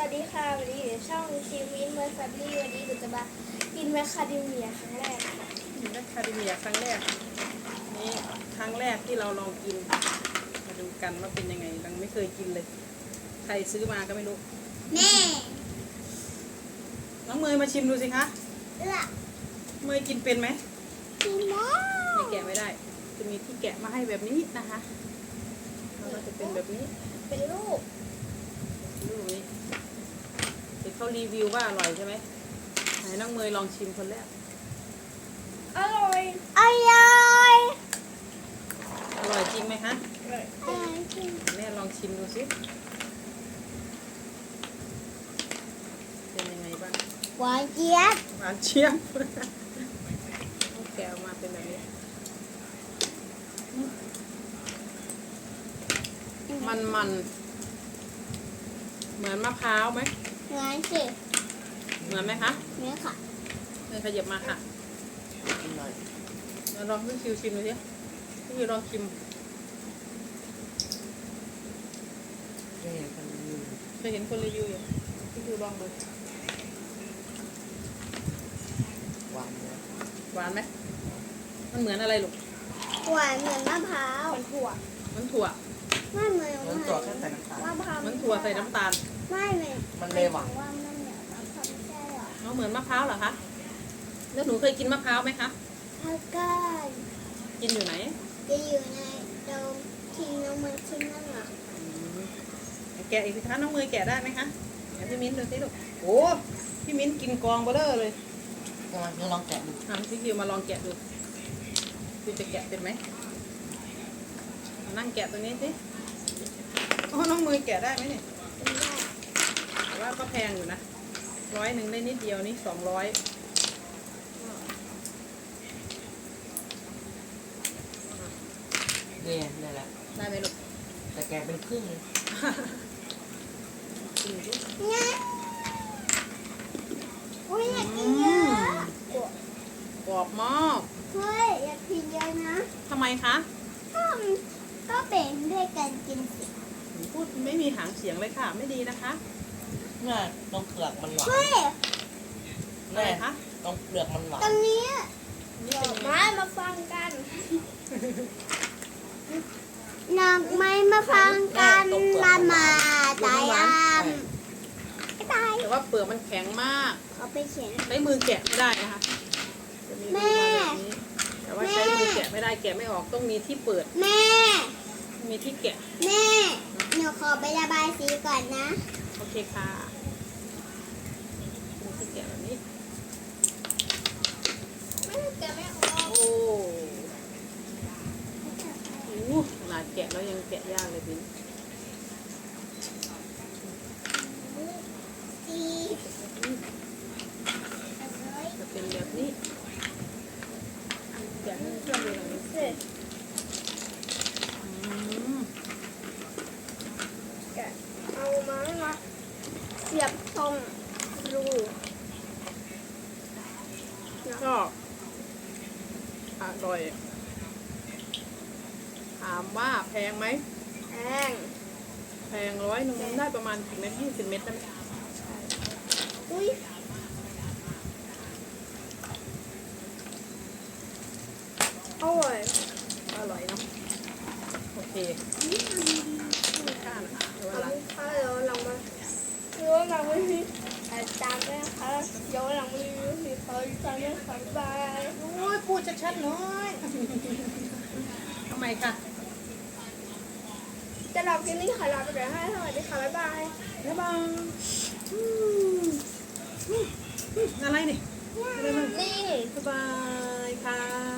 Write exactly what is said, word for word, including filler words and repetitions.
วัสดีค่ะวันนี้อยู่ช่องชีวิตเมอร์ซับลี่วันนี้หนูจะมากินแมคคาเดเมียครั้งแรกค่ะกินแมคคาเดเมียครั้งแรกนี่ครั้งแรกที่เราลองกินมาดูกันว่าเป็นยังไงยังไม่เคยกินเลยใครซื้อมาก็ไม่รู้แม่น้องเมยมาชิมดูสิคะเออเมยกินเป็นไหมกินแล้วไม่แกะไม่ได้จะมีที่แกะมาให้แบบนี้นะคะแล้วก็จะเป็นแบบนี้เป็นรูปรูปนี้เดี๋ยวเขารีวิวว่าอร่อยใช่ไหมไหนน้องเมยลองชิมคนแรกอร่อยอร่อยอร่อยจริงไหมคะอร่อยจริงแม่ลองชิมดูสิเป็นยังไงบ้างหวานเจี๊ยบหวานเจี๊ยบแกะออกมาเป็นแบบนี้มันมันเหมือนมะพร้าวไหมเหมือนสิเหมือนไหมคะเหมือนค่ะเลยขยับมาค่ะเราลองพี่คิวชิมดูสิพี่คิวลองชิมเคยเห็นคนรีวิวอยู่พี่คิวลองดูหวานไหมหวานไหมมันเหมือนอะไรลูกหวานเหมือนมะพร้าวเหมือนถั่วเหมือนถั่วไม่เหมือนเหมือนถั่วแค่ใส่น้ำตาลมะพร้าวเหมือนถั่วใส่น้ำตาลไม่เหมือนมันเลยหวานว่ามันเหมือนมะพร้าวไม่ใช่หรอเอาเหมือนมะพร้าวเหรอคะแล้วหนูเคยกินมะพร้าวไหมคะแล้วก็กินอยู่ไหนจะอยู่ในโดมทิ้งน้องมันทิ้งนั่นหรอแกะอีกสิคะน้องมือแกะได้ไหมคะเดี๋ยวพี่มิ้นดูสิลูกโอ้พี่มิ้นกินกองเบลอเลยมาลองแกะดูทำพี่คิวมาลองแกะดูพี่จะแกะเป็นไหมนั่งแกะตัวนี้สิโอ้น้องมือแกะได้ไหมเนี่ยแต่ว่าก็แพงอยู่นะร้อยหนึ่งได้นิดเดียวนี่สองร้อยเนี่ยนี่แหละได้ไหมลูกแต่แกะเป็นครึ่งเลยเนี่ยอุ้ยอยากกินเยอะกรอบมากเฮ้ยอยากกินเยอะนะทำไมคะก็ก็เป็นด้วยกันกินสิพูดไม่มีหางเสียงเลยค่ะไม่ดีนะคะน่าต้องเปลือกมันหวานเฮ้ยแม่คะต้องเปลือกมันหวานตรงนี้มามาฟังกันนักไม้มาฟังกันมามาตายอ่ะตายแต่ว่าเปลือกมันแข็งมากเอาไปเขียนใช้มือแกะไม่ได้นะคะแม่แต่ว่าใช้มือแกะไม่ได้แกะไม่ออกต้องมีที่เปิดแม่มีที่แกะแม่หนูขอไประบายสีก่อนนะโอเคค่ะมีที่แกะแบบนี้แกะไม่ออกโอ้โหขนาดแกะแล้วยังแกะยากเลยบินจะเป็นแบบนี้แกะให้เพื่อนดูหน่อยสิแกะเอาไม้มาเสียบตรงรูก็อร่อยถามว่าแพงไหมแพงแพงร้อยหนึ่งได้ประมาณกี่เม็ดยี่สิบเม็ดได้ไหมอุ้ยอร่อยอร่อยเนาะโอเคไม่ค่านะเดี๋ยววันหลังถ้าเดี๋ยวหลังมาเดี๋ยวหลังมาที่ตามด้วยนะคะเดี๋ยวหลังมาที่มีเขาตามด้วยค่ะบายโอ้ยพูดชัดๆหน่อยทำไมคะจะลองกินนี่ค่ะลาไปเลยให้สวัสดีค่ะบ๊ายบายบ๊ายบายอะไรนี่นี่บ๊ายบายค่ะ